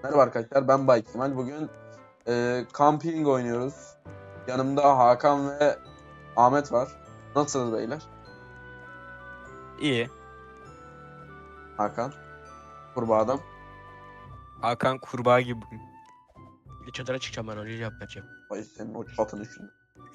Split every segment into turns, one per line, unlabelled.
Merhaba arkadaşlar, ben Bay Kemal. Bugün camping oynuyoruz. Yanımda Hakan ve Ahmet var. Nasılsınız beyler?
İyi.
Hakan, kurbağa adam.
Hakan kurbağa gibi bugün.
Çadıra çıkacağım ben önce cevap vereceğim.
Ay senin o çatını şimdi.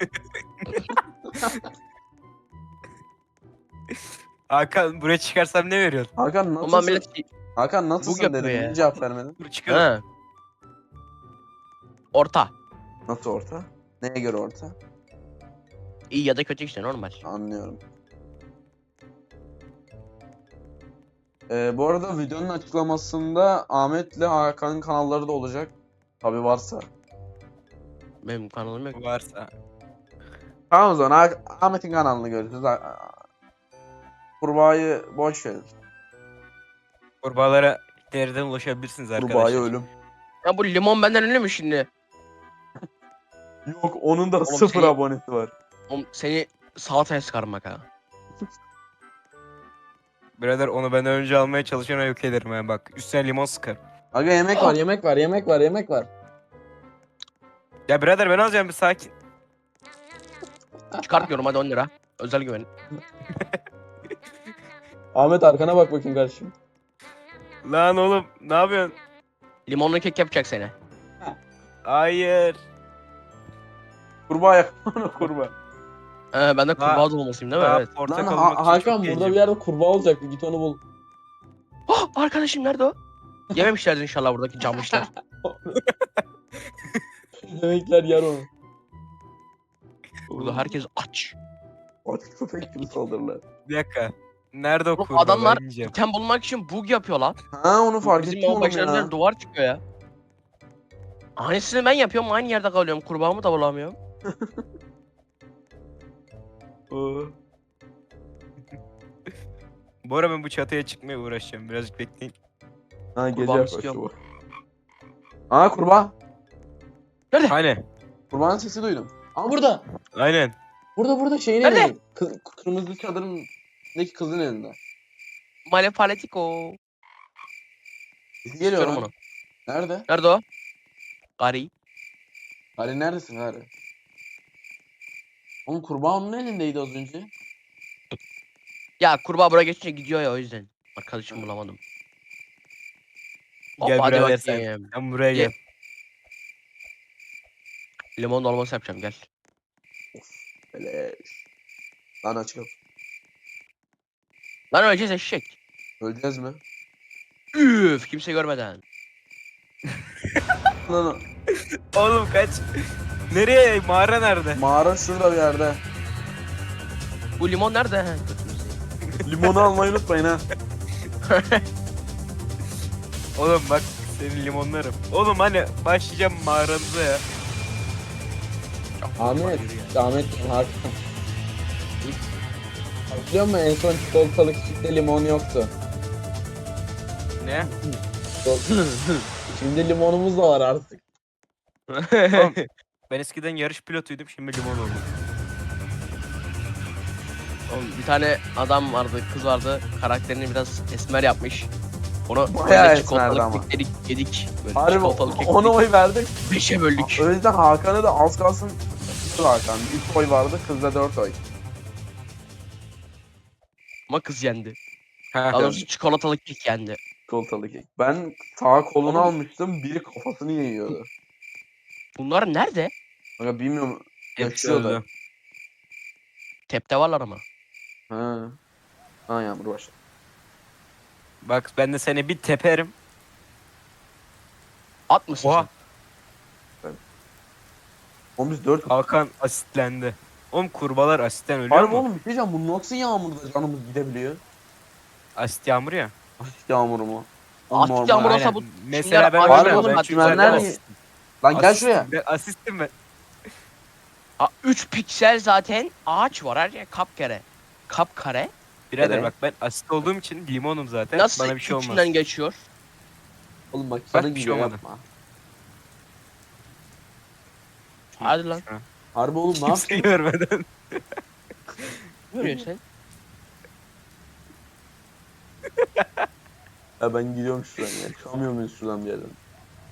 Hakan buraya çıkarsam ne veriyorsun?
Hakan
Ama
nasılsın?
millet
Hakan nasılsın
yapıyor
dedim.
ya.
Niye cevap vermedin?
Dur çıkalım.
ha. Orta.
Nasıl orta? Neye göre orta?
İyi ya da kötü işte normal.
Anlıyorum. Bu arada videonun açıklamasında Ahmet'le Hakan'ın kanalları da olacak. Tabi varsa.
Benim kanalım yok.
Varsa.
Tamam o zaman Ahmet'in kanalını görürüz. Kurbağayı boş verin.
Kurbağalara nereden ulaşabilirsiniz arkadaşlar?
Kurbağaya ölüm.
Ya bu limon benden ünlü mü şimdi?
Yok onun da
Oğlum
sıfır
seni-
abonesi var.
Oğlum seni salataya sıkarım bak ha.
Birader onu benden önce almaya çalışana yok ederim ha bak. Üstüne limon sıkar.
Aga yemek var, yemek var, yemek var, yemek var.
Ya birader ben alacağım bir sakin.
Çıkartmıyorum hadi 10 lira. Özel güven.
Ahmet arkana bak bakayım kardeşim.
Lan oğlum ne yapıyorsun?
Limonlu kek yapacak seni.
Hayır.
Kurbağa yakma kurbağa.
Ben de kurbağa dolmasıyım değil mi?
Daha
Evet.
portakal
Lan
olmak için
Hakan
çok
burada
gencim.
bir yerde kurbağa olacaktı. Git onu bul.
Oh, arkadaşım nerede o? Yememişlerdi inşallah buradaki camışlar.
Demekler yer onu.
Burada herkes aç.
Aç köpek gibi saldırırlar.
Bir dakika. Nerede o
Oğlum
kurbağa?
adamlar
Ben yiyeceğim.
item bulmak için bug yapıyor lan.
Ha onu fark
Bizim
ettim
o
oğlum
başlarından
ya.
duvar çıkıyor ya. Aynısını ben yapıyorum aynı yerde kalıyorum. Kurbağamı da bulamıyorum.
Bu ara ben bu çatıya çıkmaya uğraşacağım. Birazcık bekleyin.
Ha gece
Kurbağamı
yaklaştı
istiyorum.
bu. Aa kurbağa.
Aynen.
Kurbağanın sesi duydum. Aa burada.
Aynen.
Burada şeyin
Nerede?
elinde. Kırmızı çadırın içindeki kızın elinde.
Malefaletiko.
Sesi geliyor
İstiyorum
lan.
onu.
Nerede?
Nerede o? Gari.
Gari neredesin Gari? Oğlum kurbağa onun elindeydi az önce.
Ya kurbağa buraya geçince gidiyor ya o yüzden. Arkadaşım bulamadım.
Gel
Hop, hadi
birader sen.
bakayım.
Sen buraya
Ye.
gel.
Limon dolması yapacağım gel.
Beleş. Lan açık.
Lan öleceğiz eşek.
Öleceğiz mi?
Üf kimse görmeden.
Lan
Oğlum kaç. Nereye? Mağara nerede?
mağara şurada bir yerde.
Bu limon nerede? He, götünüzü.
Limonu almayı unutmayın ha.
Oğlum bak senin limonlarım. Oğlum hani başlayacağım mağaranıza ya.
Ahmet, Ahmet Hakan. Biliyor musun en son çikolatalı küçükte limon yoktu.
Ne?
Şimdi limonumuz da var artık.
Oğlum, ben eskiden yarış pilotuydum şimdi limon oldum.
Oğlum, bir tane adam vardı, kız vardı. Karakterini biraz esmer yapmış. Onu
Bayağı
böyle
esmerdi ama.
kekleri yedik. Böyle
Harbi
çikolatalı kek
ona
yedik.
oy verdik.
5'e böldük.
O yüzden Hakan'ı da az kalsın Hakan. 3 oy vardı, kızda 4 oy.
Ama kız yendi.
Ha.
Daha doğrusu çikolatalı kek yendi.
Çikolatalı kek. Ben sağ kolunu
Oğlum.
almıştım, biri kafasını yiyordu.
Bunlar nerede?
Aga bilmiyorum.
Hepsi
Yaşıyorlar.
öldü.
Tepte varlar ama.
Ha. Ha yağmur başladı.
Bak ben de seni bir teperim.
At mısın
Oha.
Oğlum biz 4
Hakan asitlendi. Oğlum kurbalar asitten ölüyor
Harbi
mu?
oğlum bir şey diyeceğim, bu nasıl yağmurda canımız gidebiliyor?
Asit yağmur ya.
Asit yağmuru mu?
Asit
Normal.
yağmuru olsa
Aynen.
bu
Mesela ben
Harbi
var ya,
oğlum,
ben
çimenler
güzel
mi-
asistim.
Lan gel
Asistim,
şuraya.
ben asistim ben.
3 piksel zaten ağaç var her yer kapkare. Kapkare.
Birader
Evet.
bak ben asit olduğum için limonum zaten.
Nasıl
Bana bir şey olmaz.
içinden geçiyor?
Oğlum bak
Bak,
senin
bir
gibi
şey olmadı.
yapma.
Hadi lan.
Harbi oğlum ne
Kimse
yapıyorsun?
görmeden.
Ne diyorsun sen?
Ya ben gidiyorum şuradan ya. Çıkamıyor muyuz şuradan bir yerden?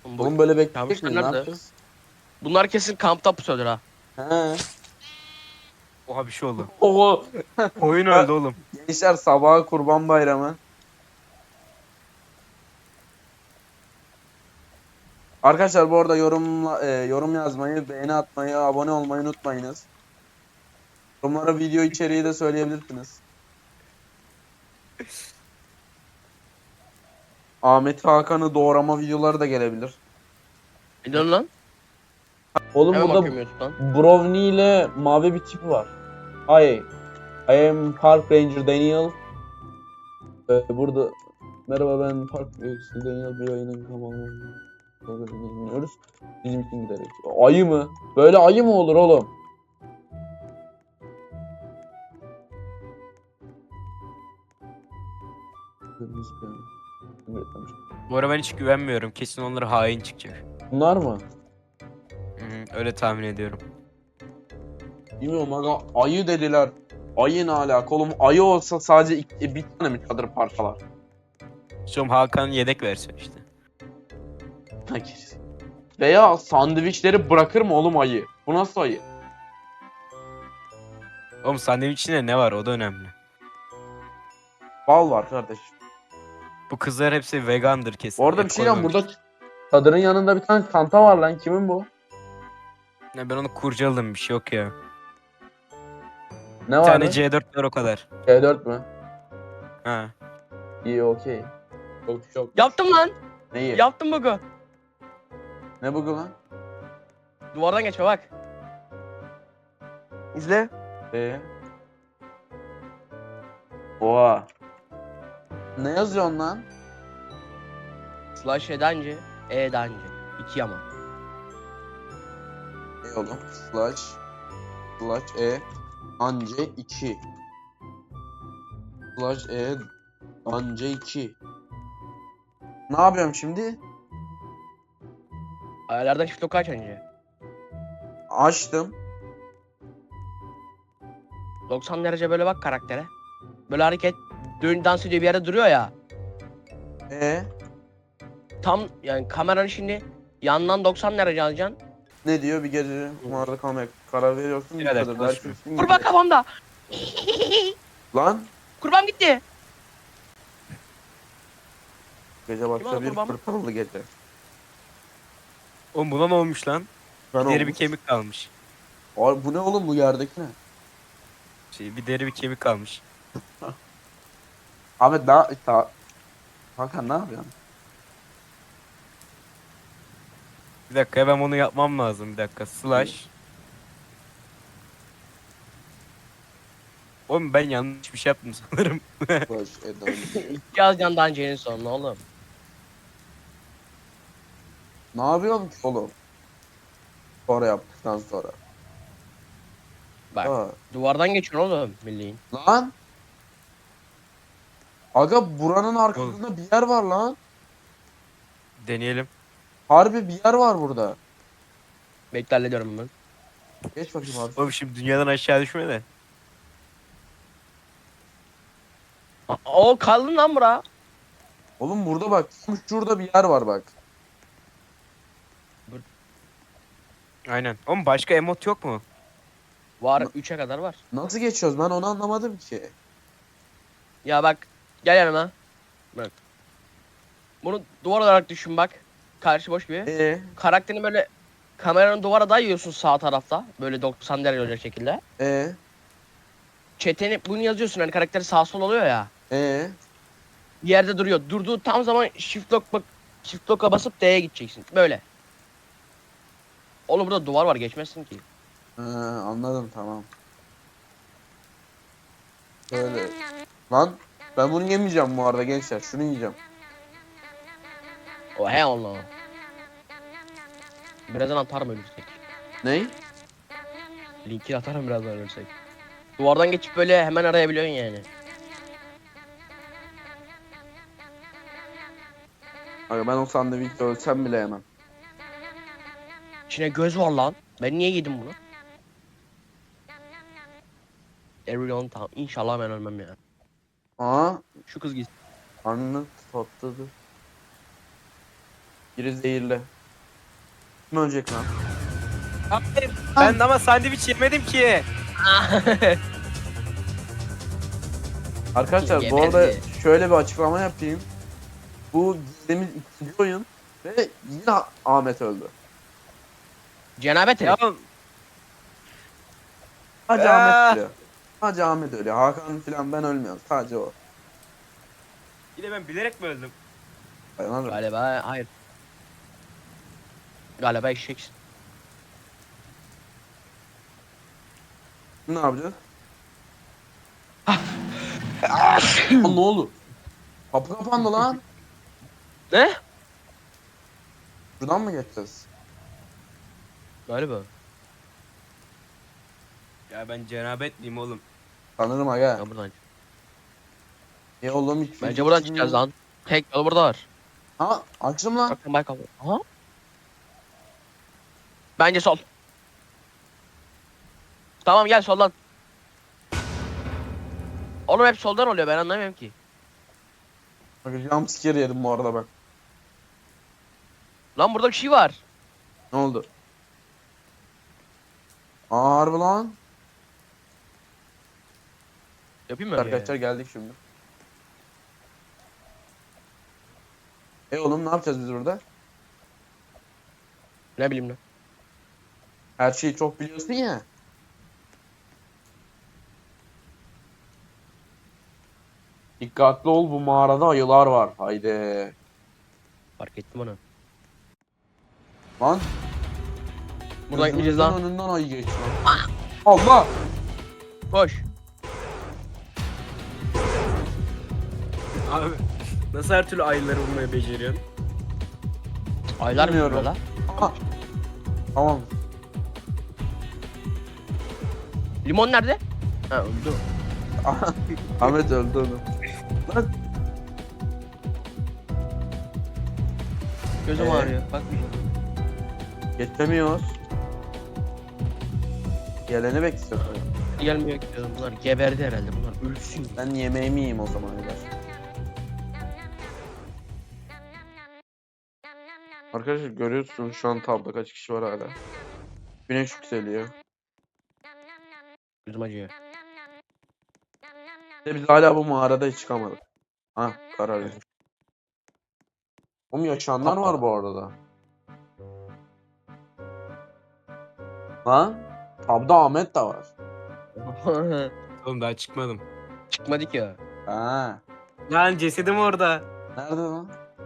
Oğlum böyle bekleyecek
Kabuslar
miyiz? Ne
nerede?
yapacağız?
Bunlar kesin kampta pusuyordur ha.
He.
Oha bir şey oldu.
Oo.
Oyun öldü oğlum.
Gençler sabaha Kurban Bayramı. Arkadaşlar bu arada yorum yazmayı, beğeni atmayı, abone olmayı unutmayınız. Yorumlara video içeriği de söyleyebilirsiniz. Ahmet Hakan'ı doğrama videoları da gelebilir.
Ne diyorsun lan?
Oğlum
Hemen
burada
bakıyorum YouTube'dan.
Brownie ile mavi bir tip var. Hi, I am Park Ranger Daniel. Burada merhaba ben Park Ranger Daniel, bir ayının tamamını dinliyoruz. Bizim için giderek. Ayı mı? Böyle ayı mı olur oğlum?
Bu ara ben hiç güvenmiyorum. Kesin onlara hain çıkacak.
Bunlar mı?
Hı, öyle tahmin ediyorum.
Bilmiyorum aga, ayı dediler. Ayı ne alaka oğlum? Ayı olsa sadece bir tane mi çadır parçalar?
Şu Hakan yedek versiyon işte.
Veya sandviçleri bırakır mı oğlum ayı? Bu nasıl ayı?
Oğlum sandviç içinde ne var o da önemli.
Bal var kardeş.
Bu kızlar hepsi vegandır kesin.
Bu arada
Et
bir şey diyeceğim,
koymamış.
burada çadırın yanında bir tane çanta var lan. Kimin bu?
Ya ben onu kurcaladım bir şey yok ya.
Ne
Bir
var?
tane C4 var o kadar.
C4 mü?
Ha.
İyi, okey. Çok.
Yaptım lan.
Neyi?
Yaptım bug'u.
Ne bu lan?
Duvardan geçme bak. İzle.
Oha. Ne yazıyorsun lan?
Slash edancı. Edancı. 2 ama.
Ne oğlum? Slash anca 2. Slash anca 2. Ne yapıyorum şimdi?
Ayarlardan shift lock aç önce.
Açtım.
90 derece böyle bak karaktere. Böyle hareket. Dans ediyor bir yerde duruyor ya. Tam yani kameranın şimdi yandan 90 derece alacaksın.
Ne diyor? Bir gece kumarda kalmaya karar veriyorsun.
Birader,
Bu kadar
konuşma.
dersin.
Kurban kafamda.
Lan
Kurban gitti.
gece başka bir
kurban mı?
fırtınalı gece.
Oğlum buna ne olmuş lan?
Ben
Bir deri bir
olmuş.
kemik kalmış.
Abi bu ne oğlum, bu yerdeki ne?
Bir deri bir kemik kalmış.
Ahmet daha Hakan ne yapıyorsun?
Bir dakika ben onu yapmam lazım bir dakika. Slash. Oğlum ben yanlış bir şey yaptım sanırım.
Slash Eden.
Yazacaksın dancının sonuna oğlum.
Ne yapıyorsun ki oğlum? Sonra yaptıktan sonra.
Bak
Ha.
duvardan geçiyorsun oğlum bildiğin.
Lan. Aga buranın arkasında bir yer var lan.
Deneyelim.
Harbi bir yer var burada.
Bekle hallediyorum ben.
Geç bakayım abi.
Oğlum şimdi dünyadan aşağı düşme de.
O kaldın lan bura.
Oğlum burada bak. Şurada bir yer var bak.
Aynen. Oğlum başka emot yok mu?
Var 3'e kadar var.
Nasıl geçiyoruz, ben onu anlamadım ki.
Ya bak gel yanıma. Bak. Bunu duvar olarak düşün bak. Karşı boş gibi. Karakterini böyle kameranın duvara dayıyorsun sağ tarafta. Böyle 90 derece olacak şekilde. Çeteni bunu yazıyorsun hani karakteri sağ sol oluyor ya. Bir yerde duruyor. Durduğu tam zaman shift lock'a basıp D'ye gideceksin. Böyle. Oğlum burada duvar var geçmezsin ki.
Anladım, tamam. Böyle. Lan ben bunu yemeyeceğim bu arada gençler. Şunu yiyeceğim.
O he Allah. Birazdan atarım ölürsek.
Ney?
Linki atarım birazdan ölürsek. Duvardan geçip böyle hemen arayabiliyorsun yani.
Aga ben o sandviçte ölsem bile yemem.
İçine göz var lan. Ben niye yedim bunu? Everyone tamam. İnşallah ben ölmem ya.
Aa,
Şu kız gitsin.
karnını tatlıdır. Biri zehirli. Kim ölecek lan?
Hayır. Ben ama sandviç yemedim ki.
Arkadaşlar bu
Yemedi.
arada şöyle bir açıklama yapayım. Bu gizlimiz ikinci oyun ve yine Ahmet öldü.
Cenabet
Ya
herif.
Sadece
Ah.
Ahmet ölüyor. Sadece Ahmet ölüyor. Hakan falan ben ölmüyorum. Sadece o.
yine ben bilerek mi öldüm?
Dayanamıyorum.
Galiba hayır. Galiba eşeksin.
Ne yapacağız? Lan ne oldu? Kapı kapandı lan.
Ne?
Buradan mı geçeceğiz?
Galiba.
Ya ben cenabetliyim oğlum.
Sanırım aga.
Ya buradan.
Oğlum hiç
Bence buradan çıkacağız lan. Tek yol burada var.
Ha açtım lan.
Bakın bak abi. Aha. Bence sol. Tamam gel soldan. Oğlum hep soldan oluyor ben anlamıyorum ki.
Bak jumpscare yedim bu arada bak.
Lan burada bir şey var.
Ne oldu? Aa harbi lan.
Yapayım mı?
Arkadaşlar geldik şimdi. Oğlum ne yapacağız biz burada?
Ne bileyim ne.
Her şeyi çok biliyorsun ya. Dikkatli ol bu mağarada ayılar var. Haydi.
Fark ettim onu.
Lan.
Buradan gideceğiz
Gözümüzün
lan.
önünden ayı geçti lan. Allah.
Koş.
Abi nasıl her türlü ayıları bulmayı beceriyorsun?
Aylar mı
Bilmiyorum.
burada?
Aha. Tamam.
Limon nerede? Ha öldü.
Ahmet öldü onu. Lan.
Gözüm ağrıyor. Bak bir şey.
Geçemiyoruz. Geleni bekliyoruz.
Gelmiyor ki gözüm. Bunlar geberdi herhalde. Bunlar ölsün.
Ben yemeğimi yiyeyim o zaman arkadaşlar. Arkadaşlar görüyorsunuz şu an tabloda kaç kişi var hala. Güneş yükseliyor.
Gözüm acıyor.
Ve biz hala bu mağarada hiç çıkamadık. Ha karar ver. Oğlum yaşayanlar var bu arada. Ha? Tabda Ahmet de var.
Oğlum daha çıkmadım.
Çıkmadı ki ya.
Ha.
Lan cesedim orada.
Nerede lan?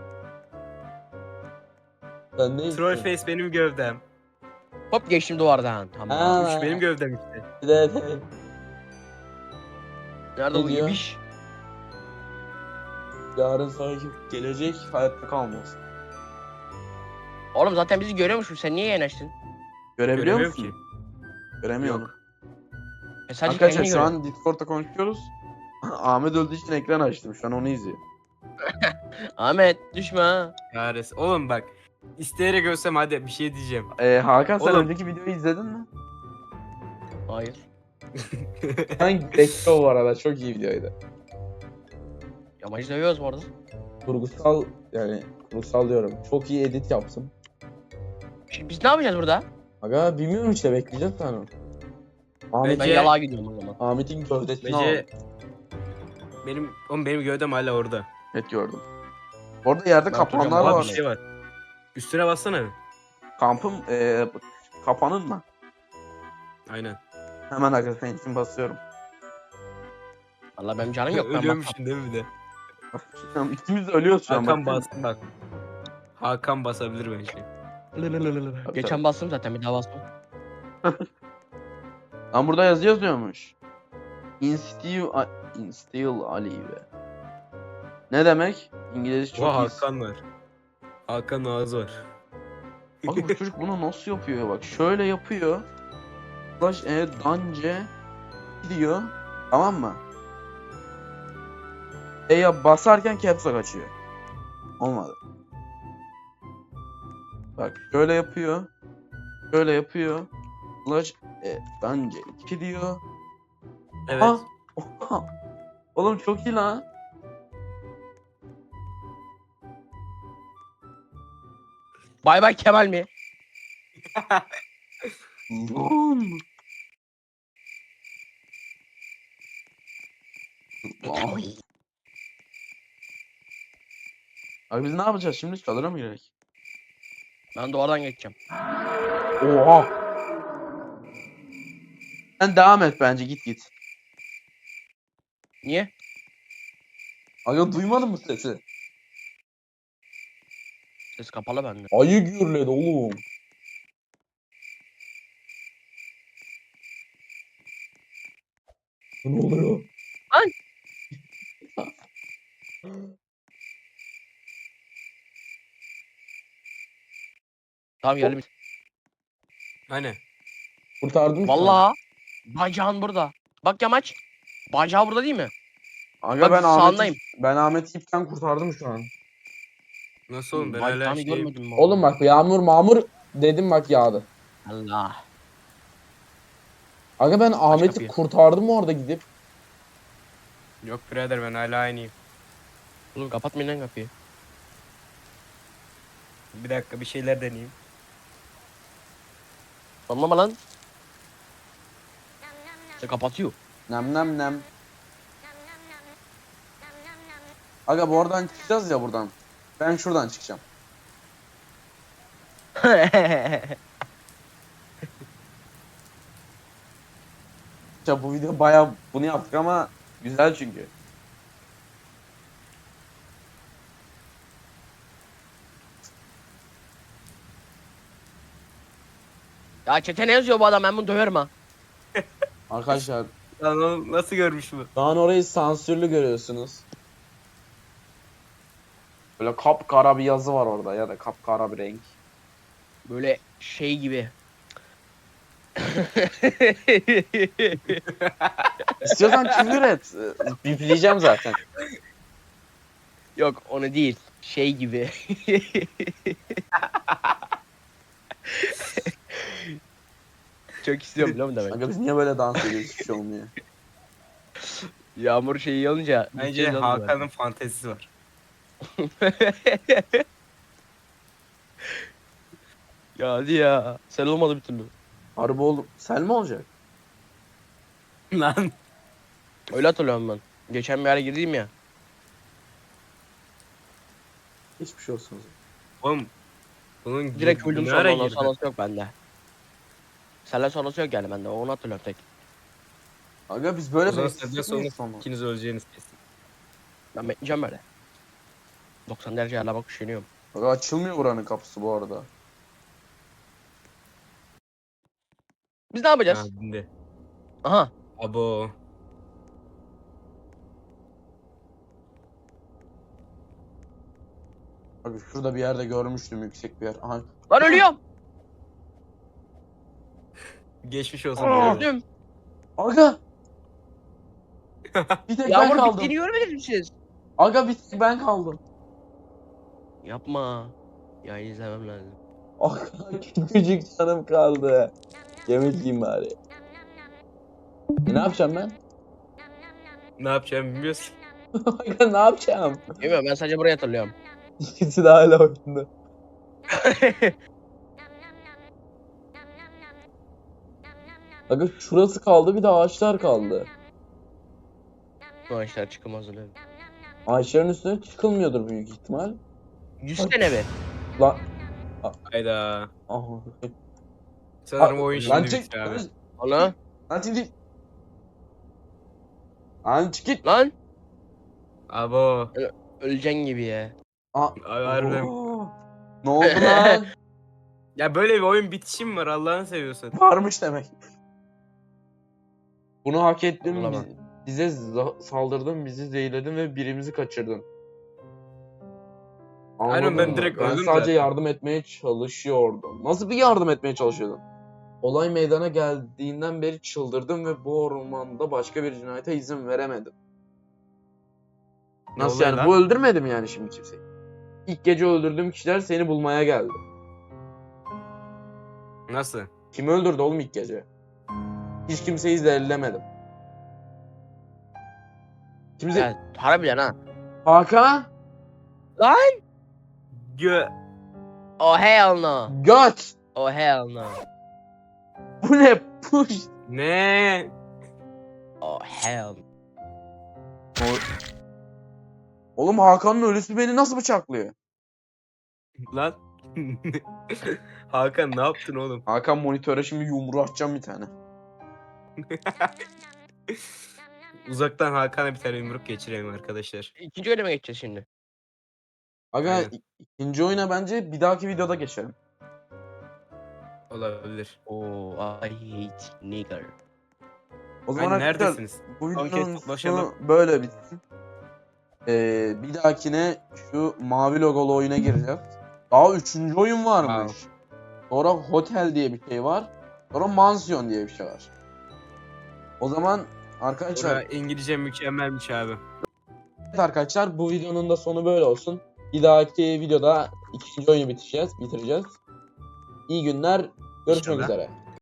Ben ne
Troll face benim gövdem.
Hop geçtim duvardan. Tamam.
Ha.
Üç benim gövdem işte.
Evet.
Nerede
Ne
bu
diyor?
ibiş?
Yarın sonraki gelecek hayatta kalmaz.
Oğlum zaten bizi görüyormuşsun. Sen niye yanaştın?
Görebiliyor
Göremiyorum
musun? Göremiyorum.
Yok.
Sadece
Arkadaşlar
kendini
şu
görüyorsun.
an Discord'da konuşuyoruz. Ahmet öldüğü için ekran açtım. Şu an onu izliyor.
Ahmet düşme ha.
Yares. Oğlum bak. İsteyerek ölsem hadi bir şey diyeceğim.
Hakan sen
Oğlum.
önceki videoyu izledin mi?
Hayır.
Ben bekle o arada. Çok iyi videoydu.
Yamacı dövüyoruz bu arada.
Kurgusal yani kurgusal diyorum. Çok iyi edit yaptım.
Şimdi biz ne yapacağız burada?
Aga bilmiyorum işte bekleyeceğiz sana. Ahmet,
Ben
Bence-
yalağa gidiyorum o zaman.
Ahmet'in gövdesini al.
Bence benim gövdem hala orada.
Evet gördüm. Orada yerde
Ben
kapanlar
oturacağım,
Aa,
var.
bir şey var. Üstüne bassana.
Kampım kapanın mı?
Aynen.
Hemen arkadaşlar için basıyorum.
Valla benim canım yok. Ben bak.
Ölüyormuşsun değil mi bir de?
İkimiz de ölüyoruz şu an.
Hakan
bak.
bastı bak. Hakan basabilir bence.
Geçen bastım zaten bir daha bastım.
Lan burada yazı yazıyormuş. Instill Alive. Ne demek? İngilizce çok
Oha
iyi.
Hakan var. Hakan ağzı var.
Bak bu çocuk bunu nasıl yapıyor bak. Şöyle yapıyor. Slash dance gidiyor. Tamam mı? Ya basarken caps lock açıyor. Olmadı. Bak şöyle yapıyor. Şöyle yapıyor. Slash dance 2 diyor.
Evet.
Aha! Oha! Oğlum çok iyi lan.
Bay bay Kemal mi?
Lan. Ay. Abi biz ne yapacağız şimdi? Çadıra mı girek?
Ben duvardan geçeceğim.
Oha. Sen devam et bence git.
Niye?
Aga duymadın mı sesi?
Ses kapalı bende.
Ayı gürledi oğlum. Ne oluyor?
Ay! Tamam geldim.
Hani?
Kurtardım şu an.
Vallahi bacağın burada. Bak yamaç. Bacağı burada değil mi?
Aga
Bak, sağındayım.
Ben Ahmet'i ipten kurtardım şu an.
Nasıl oğlum ben
Bacağını
hala şey...
görmedim mi?
Oğlum bak yağmur mağmur dedim bak yağdı.
Allah.
Aga ben Ahmet'i
kapıyı.
kurtardım orada gidip.
Yok birader ben hala aynıyım.
Oğlum kapatmayın lan kapıyı.
Bir dakika bir şeyler deneyeyim.
Anlama lan. İşte kapatıyor.
Nem. Aga bu oradan çıkacağız ya buradan. Ben şuradan çıkacağım. Ya bu video bayağı bunu yaptık ama güzel çünkü.
Ya çete ne yazıyor bu adam, ben bunu döverim ha.
Arkadaşlar
Lan oğlum nasıl görmüş bu?
şu an orayı sansürlü görüyorsunuz. Böyle kapkara bir yazı var orada ya da kapkara bir renk.
Böyle şey gibi.
İstiyorsan küfür et. Bipleyeceğim zaten.
Yok onu değil. Şey gibi. Çok istiyorum biliyor musun demek?
Aga biz niye böyle dans ediyoruz hiçbir şey olmuyor.
Yağmur şeyi olunca.
Bence
gideceğiz oğlum
Hakan'ın fantezisi var.
ya hadi ya. Sen olmadı bir türlü.
Harbi oğlum. Sen mi olacak?
Lan.
Öyle hatırlıyorum ben. Geçen bir yere girdim ya.
Hiçbir şey olsun.
Oğlum. Bunun
Direkt öldüm
ne
sonra,
ara
ondan
girdi?
sonrası yok bende. Seninle sonrası yok yani bende. Onu hatırlıyorum tek.
Aga biz
O
böyle
zaman
bekleyecek
senden sonra
miyiz sonra?
ikiniz öleceğiniz kesin.
Ben bekleyeceğim böyle. 90 derece hala bak üşeniyorum.
Aga açılmıyor buranın kapısı bu arada.
Biz ne
Ha
yapacağız?
dindi.
Aha.
Abo.
Aga şurada bir yerde görmüştüm yüksek bir yer. Aha.
Lan ölüyorum.
Geçmiş olsun birader.
Öldüm.
Aga! Bir tek ben
Yağmur
kaldım.
bittiğini görmediniz mi siz?
Aga bir tek ben kaldım.
Yapma. Ya izlemem lazım.
Aga küçücük canım kaldı. Yemek yiyeyim bari. Ne yapacağım ben?
Ne yapacağımı bilmiyorsun.
Aga ne yapacağım?
Bilmiyorum, ben sadece burayı hatırlıyorum.
İkisi de hala oyunda. Aga şurası kaldı bir de ağaçlar kaldı.
Bu işler çıkılmaz öyle.
Ağaçların üstüne çıkılmıyordur büyük ihtimal.
100 sene be.
Lan.
Hayda.
Aha.
Sanırım oyun
Lan
şimdi
çık.
bitti abi.
Ana.
Lan çık. Lan çık git.
Lan.
Abo.
Öleceksin gibi ya.
Aa.
Abi harbiden.
Oo. Ne oldu lan?
Ya böyle bir oyun bitişi mi var Allah'ını seviyorsun?
Varmış demek. Bunu hak ettin.
Ulan bak.
Bize saldırdın, bizi zehirledin ve birimizi kaçırdın.
Aynen,
Anladın
ben
mı?
direkt
Ben
öldüm
sadece
zaten.
yardım etmeye çalışıyordum. Nasıl bir yardım etmeye çalışıyordun? Olay meydana geldiğinden beri çıldırdım ve bu ormanda başka bir cinayete izin veremedim.
Ne
Nasıl
oluyor
yani?
lan?
Bu öldürmedi mi yani şimdi kimseyi? İlk gece öldürdüğüm kişiler seni bulmaya geldi.
Nasıl?
Kimi öldürdü oğlum ilk gece? Hiç kimseyi zehirlemedim. Kimse...
Evet, harbiden ha.
Hakan?
Gö...
Oh hell no.
Göt!
Oh hell no.
Bu ne? Push.
Ne?
Oh hell no.
Oğlum Hakan'ın ölüsü beni nasıl bıçaklıyor?
Lan. Hakan ne yaptın oğlum?
Hakan monitöre şimdi yumruğu atacağım bir tane.
Uzaktan Hakan'a bir tane yumruk geçirelim arkadaşlar.
İkinci bölüme geçeceğiz şimdi.
Aga
Aynen.
ikinci oyuna bence bir dahaki videoda geçelim.
Olabilir.
Oh I hate nigger.
O zaman
Hani
arkadaşlar
neredesiniz?
bu
Son kez
videonun
toplaşalım.
sonu böyle bitsin. Bir dahakine şu mavi logolu oyuna gireceğiz. Daha üçüncü oyun varmış. Sonra hotel diye bir şey var. Sonra mansiyon diye bir şey var. O zaman arkadaşlar,
Orada İngilizce mükemmelmiş abi.
evet arkadaşlar bu videonun da sonu böyle olsun. Bir dahaki videoda ikinci oyunu bitireceğiz. İyi günler. Görüşmek
İnşallah.
üzere.